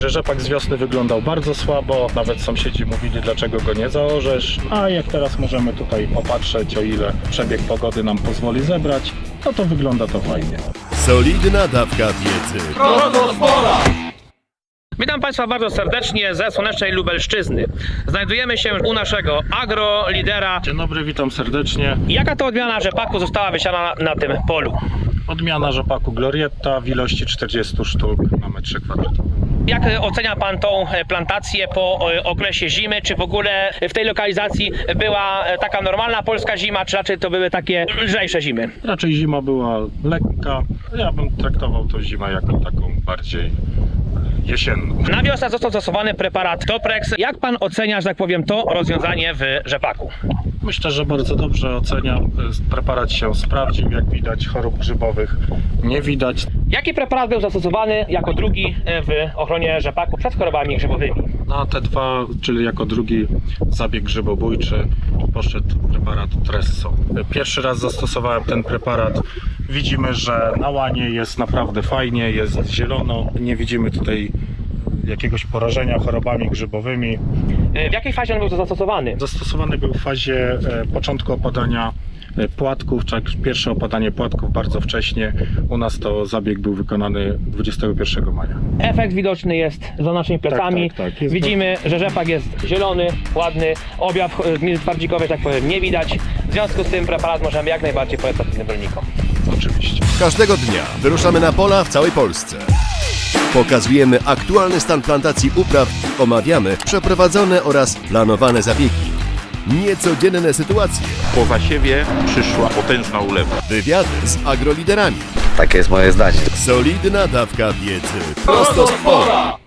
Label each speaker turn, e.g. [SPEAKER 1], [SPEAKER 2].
[SPEAKER 1] Rzepak z wiosny wyglądał bardzo słabo, nawet sąsiedzi mówili, dlaczego go nie zaorzesz, a jak teraz możemy tutaj popatrzeć, o ile przebieg pogody nam pozwoli zebrać, no to wygląda to fajnie.
[SPEAKER 2] Solidna dawka wiedzy.
[SPEAKER 3] Witam Państwa bardzo serdecznie ze słonecznej Lubelszczyzny. Znajdujemy się u naszego agrolidera.
[SPEAKER 1] Dzień dobry, witam serdecznie.
[SPEAKER 3] Jaka to odmiana rzepaku została wysiana na tym polu?
[SPEAKER 1] Odmiana rzepaku Glorietta w ilości 40 sztuk na metrze kwadratowym.
[SPEAKER 3] Jak ocenia Pan tą plantację po okresie zimy? Czy w ogóle w tej lokalizacji była taka normalna polska zima, czy raczej to były takie lżejsze zimy?
[SPEAKER 1] Raczej zima była lekka, ja bym traktował to zimę jako taką bardziej jesienną.
[SPEAKER 3] Na wiosnę został zastosowany preparat Toprex. Jak Pan ocenia, że tak powiem, to rozwiązanie w rzepaku?
[SPEAKER 1] Myślę, że bardzo dobrze oceniam. Preparat się sprawdził, jak widać chorób grzybowych nie widać.
[SPEAKER 3] Jaki preparat był zastosowany jako drugi w ochronie rzepaku przed chorobami grzybowymi?
[SPEAKER 1] Na te dwa, czyli jako drugi zabieg grzybobójczy, poszedł preparat Tresso. Pierwszy raz zastosowałem ten preparat. Widzimy, że na łanie jest naprawdę fajnie, jest zielono. Nie widzimy tutaj jakiegoś porażenia chorobami grzybowymi.
[SPEAKER 3] W jakiej fazie on był zastosowany?
[SPEAKER 1] Zastosowany był w fazie początku opadania płatków, czy pierwsze opadanie płatków bardzo wcześnie. U nas to zabieg był wykonany 21 maja.
[SPEAKER 3] Efekt widoczny jest za naszymi plecami.
[SPEAKER 1] Tak.
[SPEAKER 3] Widzimy, że rzepak jest zielony, ładny, objaw twardzikowy, tak powiem, nie widać. W związku z tym preparat możemy jak najbardziej polecać innym rolnikom.
[SPEAKER 1] Oczywiście.
[SPEAKER 2] Każdego dnia wyruszamy na pola w całej Polsce. Pokazujemy aktualny stan plantacji upraw, omawiamy przeprowadzone oraz planowane zabiegi. Niecodzienne sytuacje,
[SPEAKER 4] Po zasiewie przyszła potężna ulewa.
[SPEAKER 2] wywiady z agroliderami.
[SPEAKER 5] Takie jest moje zdanie.
[SPEAKER 2] Solidna dawka wiedzy. Prosto z pola.